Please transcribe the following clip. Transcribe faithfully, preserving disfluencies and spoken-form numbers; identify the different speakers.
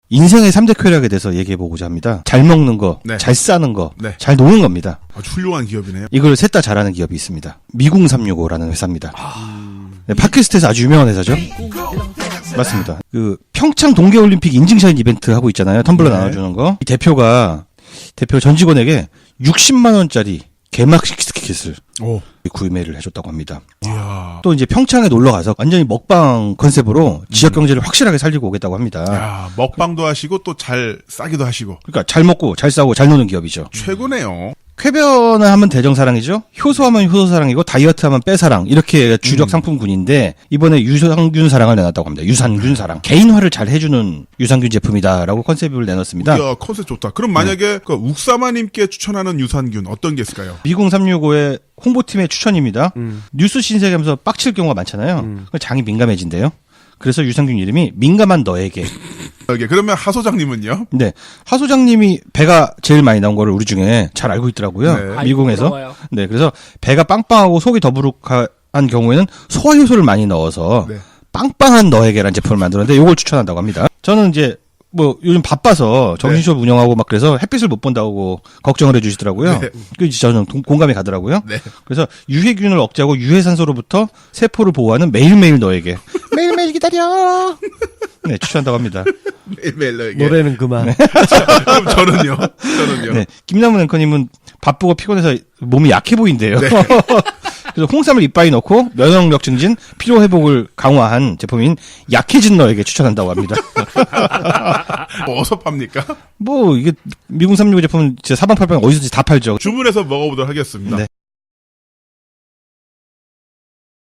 Speaker 1: 인생의 삼 대 쾌락에 대해서 얘기해보고자 합니다. 잘 먹는 거,
Speaker 2: 네.
Speaker 1: 잘 싸는 거,
Speaker 2: 네.
Speaker 1: 잘 노는 겁니다.
Speaker 2: 아주 훌륭한 기업이네요.
Speaker 1: 이걸 셋 다 잘하는 기업이 있습니다. 미궁삼육오라는 회사입니다.
Speaker 2: 아...
Speaker 1: 네, 팟캐스트에서 아주 유명한 회사죠. 맞습니다. 그 평창 동계올림픽 인증샷 이벤트 하고 있잖아요. 텀블러
Speaker 2: 네.
Speaker 1: 나눠주는 거. 이 대표가 대표 전 직원에게 육십만 원짜리 개막식 티켓을
Speaker 2: 오.
Speaker 1: 구매를 해줬다고 합니다.
Speaker 2: 이야.
Speaker 1: 또 이제 평창에 놀러 가서 완전히 먹방 컨셉으로 지역 경제를 확실하게 살리고 오겠다고 합니다.
Speaker 2: 야, 먹방도 하시고 또 잘 싸기도 하시고.
Speaker 1: 그러니까 잘 먹고 잘 싸고 잘 노는 기업이죠.
Speaker 2: 최고네요.
Speaker 1: 쾌변을 하면 대정사랑이죠. 효소하면 효소사랑이고 다이어트하면 빼사랑 이렇게 주력
Speaker 2: 음.
Speaker 1: 상품군인데 이번에 유산균 사랑을 내놨다고 합니다. 유산균 사랑. 개인화를 잘 해주는 유산균 제품이다라고 컨셉을 내놨습니다.
Speaker 2: 이야, 컨셉 좋다. 그럼 만약에 그 욱사마님께 추천하는 유산균 어떤 게 있을까요?
Speaker 1: 미궁삼육오의 홍보팀의 추천입니다.
Speaker 3: 음.
Speaker 1: 뉴스 신세계하면서 빡칠 경우가 많잖아요.
Speaker 3: 음.
Speaker 1: 장이 민감해진대요. 그래서 유산균 이름이 민감한 너에게.
Speaker 2: 여기 그러면 하 소장님은요?
Speaker 1: 네. 하 소장님이 배가 제일 많이 나온 거를 우리 중에 잘 알고 있더라고요.
Speaker 2: 네.
Speaker 1: 미궁에서.
Speaker 3: 부러워요.
Speaker 1: 네. 그래서 배가 빵빵하고 속이 더부룩한 경우에는 소화효소를 많이 넣어서
Speaker 2: 네.
Speaker 1: 빵빵한 너에게라는 제품을 만들었는데 이걸 추천한다고 합니다. 저는 이제 뭐 요즘 바빠서 정신수업 운영하고 막 그래서 햇빛을 못 본다고 걱정을 해주시더라고요.
Speaker 2: 네.
Speaker 1: 그 저는 동- 공감이 가더라고요.
Speaker 2: 네.
Speaker 1: 그래서 유해균을 억제하고 유해산소로부터 세포를 보호하는 매일매일 너에게 매일매일 기다려. 네, 추천한다고 합니다.
Speaker 2: 매일매일 너에게.
Speaker 3: 노래는 그만.
Speaker 2: 그럼 저는요? 저는요?
Speaker 1: 네, 김남은 앵커님은 바쁘고 피곤해서 몸이 약해 보인대요.
Speaker 2: 네.
Speaker 1: 그래서 홍삼을 이빨에 넣고 면역력 증진, 피로 회복을 강화한 제품인 약해진 너에게 추천한다고 합니다.
Speaker 2: 뭐 어디서 팝니까?
Speaker 1: 뭐 이게 미궁삼육오 제품은 진짜 사방팔방 어디서든지 다 팔죠.
Speaker 2: 주문해서 먹어보도록 하겠습니다.
Speaker 1: 네.